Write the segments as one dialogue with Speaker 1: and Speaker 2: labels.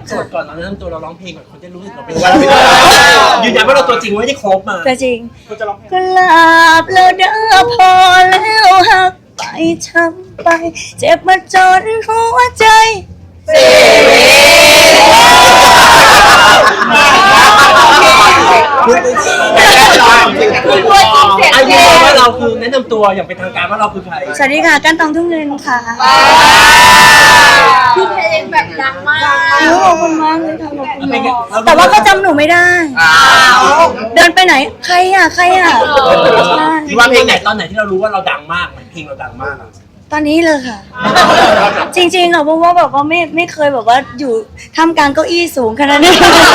Speaker 1: สดก่อนเราเริ่มตัวเราร้องเพลงก่อนคนจะรู้สึกเราเป็นว่ายืนยันว่าเราตัวจริงไม่ได้ครบมา
Speaker 2: ตัวจริงกุหลาบแล้วเด้อพอแล้วหักไปช้ำไปเจ็บมาจนหัวใจ
Speaker 1: ไอ้ยืนยันว่าเราคือแนะนำตัวอย่างเป็นทางการว่าเราคือใคร
Speaker 2: สวัสดีค่ะกันตองทุ่งเงินค่ะ
Speaker 3: คือเพลงแบบดังมาก
Speaker 2: ขอบคุณมากเลยค่ะขอบคุณมากแต่ว่าก็จำหนูไม่ได้เดินไปไหนใครอ่ะ
Speaker 1: ที่ว่าเพลงไหนตอนไหนที่เรารู้ว่าเราดังมากเพลงเราดังมาก
Speaker 2: ตอนนี้เลยค่ะจริงๆอ่ะเพราะว่าแบบว่าไม่เคยแบบว่าอยู่ท่ามกลางเก้าอี้สูงขนาดนี้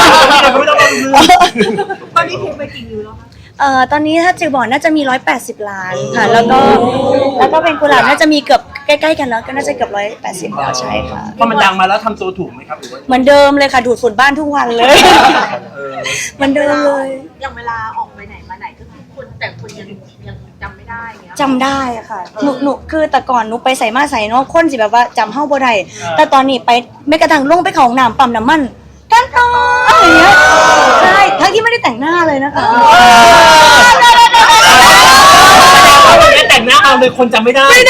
Speaker 3: ตอนนี้เพลงไปกี่วิวแล้วคะ
Speaker 2: ตอนนี้ถ้าจือบอกน่าจะมี180 ล้านค่ะแล้วก็เป็นกุหลาบน่าจะมีเกือบใกล้ๆกันแล้วก็น่าจะเกือบ180แล้วใช่ค่ะ
Speaker 1: พอมันดังมาแล้วทำตัวถูกไหมครับ
Speaker 2: เหมือนเดิมเลยค่ะดูดฝุ่นบ้านทุกวันเลยเหมือนเดิมเลย
Speaker 3: อย่างเวลาออกไปไหนมาไหนก็คือคนแต่คนยังจำไม่ได้เงี้ย
Speaker 2: จำได้ค่ะหนูคือแต่ก่อนหนูไปใส่มาใส่เนาะคนสิแบบว่าจำเฮ้าบ่ได้แต่ตอนนี้ไปไม่กระทั่งลงไปเขาห้องน้ำปั๊มน้ำมันกันต่ออย่างเงี้ยใช่ทั้งที่ไม่ได้แต่งหน้าเลยนะคะ
Speaker 1: ไม่แต่งหน้าเอาเลยคนจำไม่ได้
Speaker 3: พี่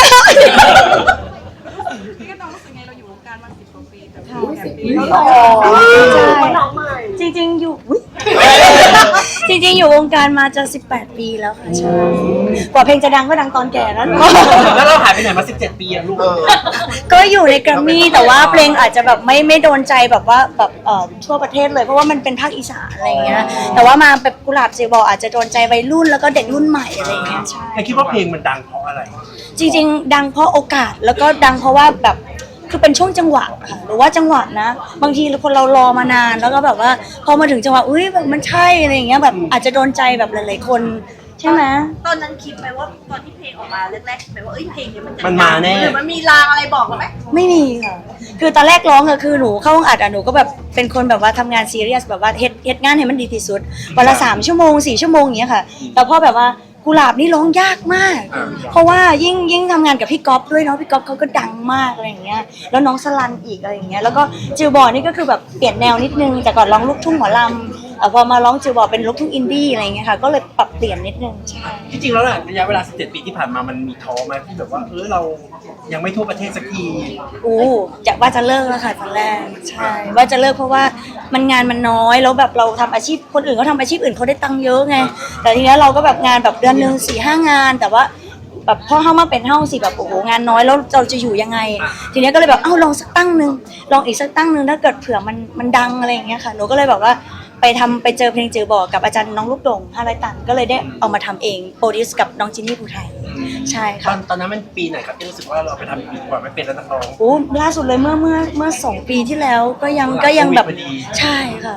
Speaker 3: ก็น้องรู้สึกไงเราอยู่วงการมา10 กว่าปีแต่10 ปีแล้วน้องใหม่
Speaker 2: จริงๆอยู่จริงๆอยู่วงการมาจะ18 ปีแล้วค่ะใช่กว่าเพลงจะดังก็ดังตอนแก่แล้ว
Speaker 1: แล้วเราหายไปไหนมา17 ปีอะลูก
Speaker 2: ก็อยู่ในแกรมมี่แต่ว่าเพลงอาจจะแบบไม่โดนใจแบบว่าแบบทั่วประเทศเลยเพราะว่ามันเป็นภาคอีสานอะไรเงี้ยแต่ว่ามาแบบกุหลาบเซบอลอาจจะโดนใจวัยรุ่นแล้วก็เด็กรุ่นใหม่อะไรเงี้ยใช่
Speaker 1: คิดว่าเพลงมันดังเพราะอะไร
Speaker 2: จริงๆดังเพราะโอกาสแล้วก็ดังเพราะว่าแบบคือเป็นช่วงจังหวะค่ะหรือว่าจังหวะนะบางทีคนเรารอมานานแล้วก็แบบว่าพอมาถึงจังหวะอุ้ยแบบมันใช่อะไรอย่างเงี้ยแบบอาจจะโดนใจแบบหลายๆคนใช่ไหม
Speaker 3: ตอนนั้นคิดไหมว่าตอนที่เพลงออกมาแรกๆคิดไหมว่าเพลงนี้
Speaker 1: มันมาแน่
Speaker 3: หรือมันมีลางอะไรบอกเราไหม
Speaker 2: ไม่มีค่ะคือตอนแรกร้องคือหนูเข้าห้องอัดหนูก็แบบเป็นคนแบบว่าทำงานซีเรียสแบบว่าเฮ็ดงานให้มันดีที่สุดวันละ3 ชั่วโมง4 ชั่วโมงอย่างเงี้ยค่ะแต่พอแบบว่ากุหลาบนี่ร้องยากมากเพราะว่ายิ่งทำงานกับพี่ก๊อฟด้วยเนาะพี่ก๊อฟเขาก็ดังมากอะไรอย่างเงี้ยแล้วน้องสลันอีกอะไรอย่างเงี้ยแล้วก็จิวบอร์นี่ก็คือแบบเปลี่ยนแนวนิดนึงแต่ก่อนร้องลูกทุ่งหมอลำพอมาร้องจิวบอร์เป็นลูกทุ่งอินดี้อะไรอย่างเงี้ยค่ะก็เลยปรับเปลี่ยนนิดนึงใช่
Speaker 1: ที่จริงแล้วน่ะระยะเวลา17 ปีที่ผ่านมามันมีท้อไหมที่แบบว่าเรายังไม่ทั่วประเทศสักที
Speaker 2: ว่าจะเลิกแล้วค่ะตอนแรกใช่ว่าจะเลิกเพราะว่ามันงานมันน้อยแล้วแบบเราทำอาชีพคนอื่นเขาทำอาชีพอื่นเขาได้ตังค์เยอะไงแต่ทีนี้เราก็แบบงานแบบเดือนนึง4-5 งานแต่ว่าแบบพอเข้ามาเป็นเฮ้าสิแบบโอ้โหงานน้อยแล้วเราจะอยู่ยังไงทีนี้ก็เลยแบบลองสักตั้งนึงลองอีกสักตั้งนึงถ้าเกิดเผื่อมันดังอะไรอย่างเงี้ยค่ะหนูก็เลยแบบว่าไปเจอเพลงจือบอกกับอาจารย์น้องลูกดง500 ตันก็เลยได้เอามาทำเองโปรดิวส์กับน้องจินนี่ภูไทยใช่ค่ะ
Speaker 1: ตอนนั้นมันปีไหนครับที่รู้สึกว่าเราไปทำดีกว่าไม่เป็นแล้วนักร้อง
Speaker 2: ล่าสุดเลยเมื่อ2 ปีที่แล้วก็ยังแบบใช่ค่ะ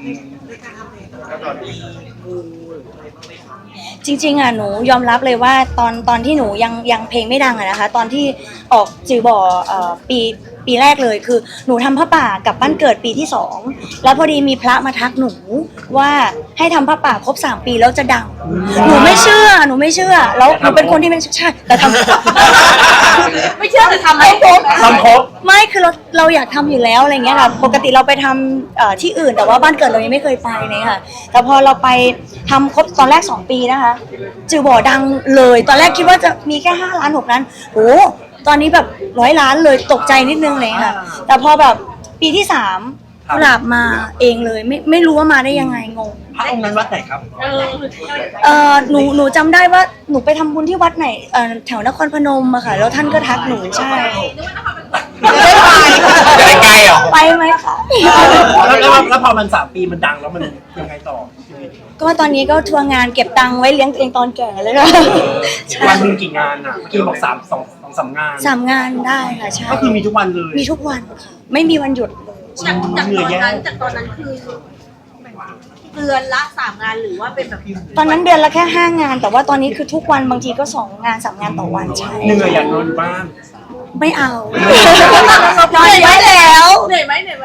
Speaker 2: จริงๆหนูยอมรับเลยว่าตอนที่หนูยังเพลงไม่ดังนะคะตอนที่ออกจือบ่อปีแรกเลยคือหนูทำผ้าป่ากับบ้านเกิดปีที่2แล้วพอดีมีพระมาทักหนูว่าให้ทำผ้าป่าครบ3 ปีแล้วจะดังหนูไม่เชื่อแล้วหนูเป็นคนที่ไม่ใช่แต่ทำ
Speaker 3: ไม่เชื่อแต่ทำไม่ครบ
Speaker 2: ไม่คือเราอยากทำอยู่แล้วอะไรเงี้ยค่ะปกติเราไปทำที่อื่นแต่ว่าบ้านเกิดเรายังไม่เคยไปเลยค่ะแต่พอเราไปทำครบตอนแรก2 ปีนะคะจือบ่อดังเลยตอนแรกคิดว่าจะมีแค่5 ล้าน6 ล้านตอนนี้แบบ100 ล้านเลยตกใจนิดนึงเลยค่ะแต่พอแบบปีที่3กุหลาบมาเองเลยไม่รู้ว่ามาได้ยังไงงง
Speaker 1: พระองค์นั้นวัดไหนครับ
Speaker 2: หนูจำได้ว่าหนูไปทำบุญที่วัดไหนแถวนครพนมอะค่ะแล้วท่านก็ทักหนูใช่
Speaker 1: ไปไกลเหรอ
Speaker 2: ไปไหมคะ
Speaker 1: แล้วพอมัน3 ปีมันดังแล้วมันยังไงต่อ
Speaker 2: ก็ตอนนี้ก็ทัวร์งานเก็บตังค์ไว้เลี้ยงตัวเองตอนแก่เลยค่ะ
Speaker 1: วันนึงกี่งานอ่ะเมื่อกี้บอก3 งาน
Speaker 2: 3 งานได้ค่ะใช่
Speaker 1: ก็คือมีทุกวันเลย
Speaker 2: มีทุกวันค่ะไม่มีวันหยุด
Speaker 3: จากตอนนั้นคือเดือนละ3 งานหรือว่าเป็นแบบ
Speaker 2: ตอนนั้นเดือนละแค่5 งานแต่ว่าตอนนี้คือทุกวันบางทีก็2 งาน3 งานต่อวันใช่
Speaker 1: เหนื่อยอยากนอนอยู่บ้าน
Speaker 2: ไม่เอานอนไว้แล้ว
Speaker 3: เหนื่อยไหม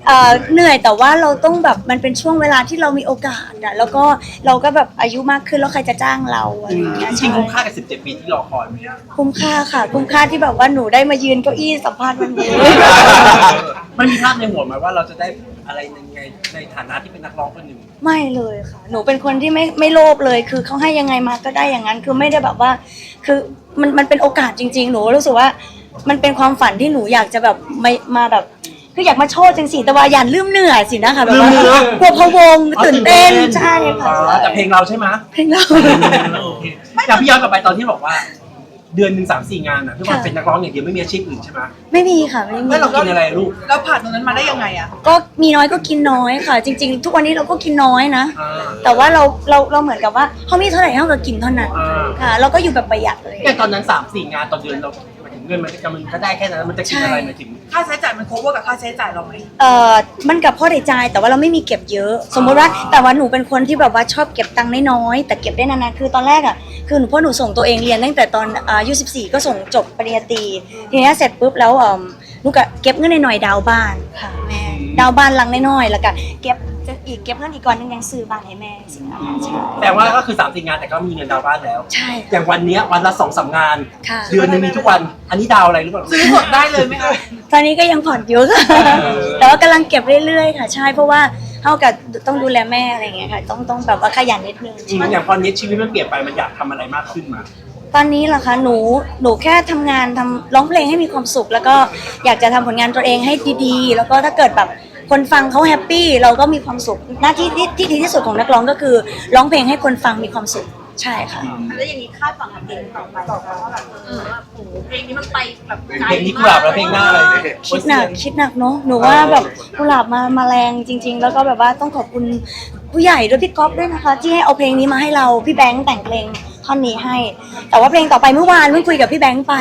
Speaker 2: เหนื่อยแต่ว่าเราต้องแบบมันเป็นช่วงเวลาที่เรามีโอกาสอะแล้วก็เราก็แบบอายุมากขึ้นแล้วใครจะจ้างเราอะไรอย่างเงี้ย
Speaker 1: จริงๆคุ้มค่ากับ17 ปีที่รอคอยไหมอะ
Speaker 2: คุ้มค่าค่ะคุ้มค่าที่แบบว่าหนูได้มายืนเก้าอี้สัมภาษณ์วันนี้
Speaker 1: มันมีภาพในหัวไหมว่าเราจะได้อะไรในฐานะที่เป็นนักร้องคนหนึ่ง
Speaker 2: ไม่เลยค่ะ หนูเป็นคนที่ไม่โลภเลย คือเขาให้ยังไงมาก็ได้อย่างนั้น คือไม่ได้แบบว่า คือมันเป็นโอกาสจริง ๆ หนูรู้สึกว่ามันเป็นความฝันที่หนูอยากจะแบบมาแบบ คืออยากมาโชว์จังสิแต่ว่าอย่าลืมเหนื่อยสินะคะแบบว่ากลัวพะวงตื่นเต้นใช่ค่ะ
Speaker 1: แต่เพลงเราใช่ไหม
Speaker 2: เพลงเรา
Speaker 1: โอเคอยากพี่ย้อนกลับไปตอนที่บอกว่า เดือนหนึ่ง3-4 งานอ่ะทุกวันเป็นนักร้องอย่างเดียวไม่มีอาชีพอื่นใช่ไหม
Speaker 2: ไม่มีค่ะไม่มี
Speaker 1: แล้วเรากินอะไรลูก
Speaker 4: เราผ่านตรงนั้นมาได้ยังไงอะ
Speaker 2: ก็มีน้อยก็กินน้อยค่ะ จริง ๆ ทุกวันนี้เราก็กินน้อยนะ
Speaker 1: อ่า
Speaker 2: แต่ว่าเราเหมือนกับว่าเขามีเท่าไหร่เท่ากับกินเท่านั้น
Speaker 1: อ่า
Speaker 2: ค่ะ เราก็อยู่แบบประหยัดเลย
Speaker 1: แต่ตอนนั้น3-4 งานต่อเดือนเราหมายถึงเงินมันก็ได้แค่นั้นมันจะกินอะไรหมายถึง
Speaker 4: ค่าใช้จ่ายมัน cover กับค่าใช้จ่ายเราไหม
Speaker 2: มันกับพ่อได้ใจายแต่ว่าเราไม่มีเก็บเยอะ สมมติว่าแต่ว่าหนูเป็นคนที่แบบว่าชอบเก็บตังค์น้อยๆแต่เก็บได้นานๆคือตอนแรกอ่ะคือหนูพ่อหนูส่งตัวเองเรียนตั้งแต่ตอนอายุ14ก็ส่งจบปริญญาตรีทีนี้เสร็จปุ๊บแล้วหนูก็เก็บเงินหน่อยๆดาวน์บ้านค่ะแม่ดาวน์บ้านหลังน้อยๆแล้วก็เก็บเงินอีกก่อนนึงยังซื้อบ้านให้แม่สิคะใช่
Speaker 1: แต่ว่าก็คือ3-4 งานแต่ก็มีเงินดาวน์บ้านแล้ว
Speaker 2: ใช่
Speaker 1: อย่างวันเนี้ยวันละ2-3 งาน
Speaker 2: ค่ะ
Speaker 1: เดือนหนึงมีทุกวัน อันนี้ดาวอะไรหรือเปล่า
Speaker 4: ซื้อสดได้เลยไหมคะ
Speaker 2: ตอนนี้ก็ยังผ่อนอยู่ค่ะ แต่ว่ากำลังเก็บเรื่อยๆค่ะ ใช่เพราะว่าเท่ากับต้องดูแลแม่อะไรอย่างเงี้ยค่ะต้องแบบว่าขยันนิดนึง
Speaker 1: อย่างพอนี้ชีวิตมันเปลี่ยนไปมันอยากทำอะไรมากขึ้นมา
Speaker 2: ตอนนี้ล่ะคะหนูแค่ทำงานร้องเพลงให้มีความสุข แล้วก็อยากจะทำผลงานตัวเองให้ดีๆ แล้วก็ถ้าเกิดแบบคนฟังเขาแฮปปี้เราก็มีความสุขหน้าที่ที่ดีที่สุดของนักร้องก็คือร้องเพลงให้คนฟังมีความสุขใช่ค่ะ
Speaker 3: แล้วอย่างนี้คาดหวังกับเพลงต่อไปว่าแบบว่าโอ้โหเพลงนี้มันไปแบบไกล
Speaker 1: เพลงนี้กุหลาบแล้วเพลงหน้าอะไร
Speaker 2: คิดหนักเนาะหนูว่าแบบกุหลาบมาแรงจริง ๆ แล้วก็แบบว่าต้องขอบคุณผู้ใหญ่ด้วยพี่ก๊อฟด้วยนะคะ ที่ให้เอาเพลงนี้มาให้เราพี่แบงค์แต่งเพลงท่อนนี้ให้ แต่ว่าเพลงต่อไปเมื่อวานเพิ่งคุยกับพี่แบงค์ไป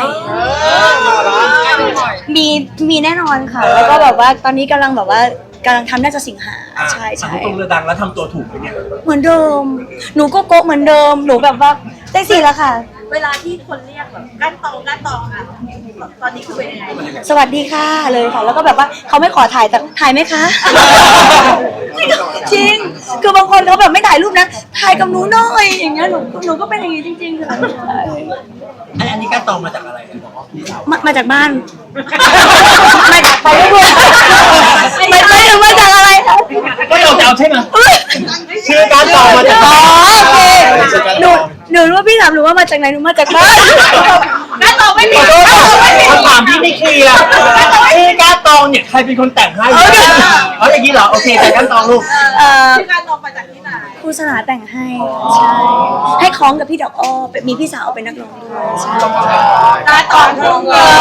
Speaker 2: มีแน่นอนค่ะ แล้วก็แบบว่าตอนนี้กำลังทำน่าจะสิงหาใช่
Speaker 1: ตรงเรือดังแล้วทำตัวถูกไหมเนี่ย
Speaker 2: เหมือนเดิม หนูก็โกะเหมือนเดิมหนูแบบว่าได้สิแล้วค่ะ
Speaker 3: เวลาที่คนเรียกแบบก้านตองอ่ะตอนนี้คือเป็นยังไง
Speaker 2: สวัสดีค่ะเลยค่ะ แล้วก็แบบว่าเขาไม่ขอถ่ายแต่ถ่ายไหมคะ จริง คือบางคนเขาแบบไม่ถ่ายรูปนะ ถ่ายกับหนูหน่อยอย่างเงี้ยหนูก็เป็นอย่างงี้จริงๆค่ะ
Speaker 1: อันนี้การตองมาจากอะไรเนี่ยบอกว่าพี่สาว
Speaker 2: มาจากบ้าน มาจากไปเรื่อยๆไม่ถึงมาจากอะไรคะ
Speaker 1: ก็เราจะเอาใช่ไหมชื่อการตองมาจาก
Speaker 2: อ๋อโอเคหนูรู้ว่าพี่ถามหนูว่ามาจากไหนหนูมาจากบ้าน
Speaker 3: ก้านตองไม่มี
Speaker 1: คำถามที่ไม่เคลียร์การตองเนี่ยใครเป็นคนแต่งให้เอาอย่างนี้เหรอโอเคแต่การตองลูก
Speaker 3: ชื่อก้านตองมาจากที่ไหน
Speaker 2: ครูสลาแต่งให้ใช่ให้คล้องกับพี่ดอกอ้อมีพี่สาวเป็นนักร้องด้วยใช่
Speaker 3: ก้านตองทุ่งเงิน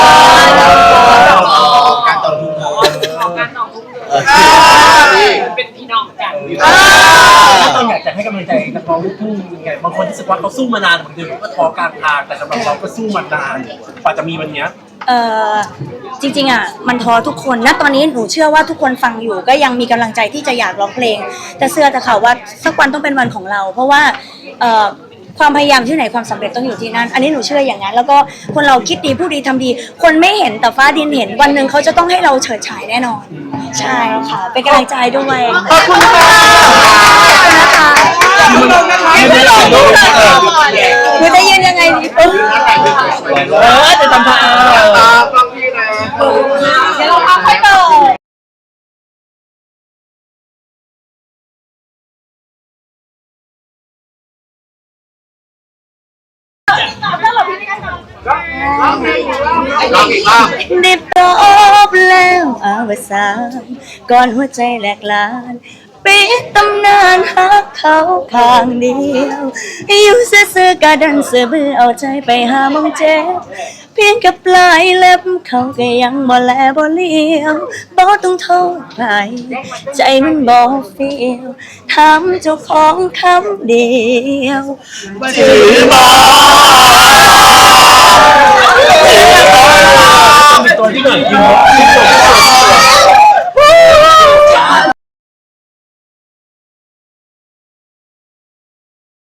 Speaker 5: การต่อทุน
Speaker 3: ก้านตองทุ่งเงิน
Speaker 4: เป็นพี่น้องกัน
Speaker 1: การตองอยากจะให้กำลังใจนักร้องลูกทุ่งยังไงบางคนที่รู้สึกว่าเขาสู้มานานบางทีก็ท้อกลางทางแต่สำหรับเราก็สู้มานานกว่าจะมีวันเนี้ย
Speaker 2: จริงๆอ่ะมันท้อทุกคนนะตอนนี้หนูเชื่อว่าทุกคนฟังอยู่ก็ยังมีกำลังใจที่จะอยากร้องเพลง แต่เชื่อแต่ค่ะว่าสักวันต้องเป็นวันของเรา เพราะว่าความพยายามที่ไหนความสำเร็จต้องอยู่ที่นั่น อันนี้หนูเชื่ออย่างนั้นแล้วก็คนเราคิดดีพูดดีทำดี คนไม่เห็นแต่ฟ้าดินเห็นวันหนึ่งเขาจะต้องให้เราเฉิดฉายแน่นอน ใช่ค่ะเป็นกำลังใจด้วยขอบคุณค่ะนะคะ
Speaker 1: ไม่หล่อลูก
Speaker 2: หนูจะยืนยังไงดี
Speaker 1: จะทำท่า
Speaker 5: ฟังพี่นะ
Speaker 3: เดี๋ยวเราพักค่อยเปิด
Speaker 5: ลองอีกรอบ
Speaker 2: ได้พบแล้วอวสานก่อนหัวใจแหลกลานปิดตำนานหักเขาข้างเดียวอยู่ซื่อๆกะดันเสือบื้อเอาใจไปหามองเจ็บเพียงกับปลายเล็บเขาก็ยังบ่แลบ่เลี้ยวบ่ต้องโทษใครใจมันบ่เฟียวถามเจ้าของคำเดียวถือบ่
Speaker 1: เป็นตัวที่หน่อยยิ้ม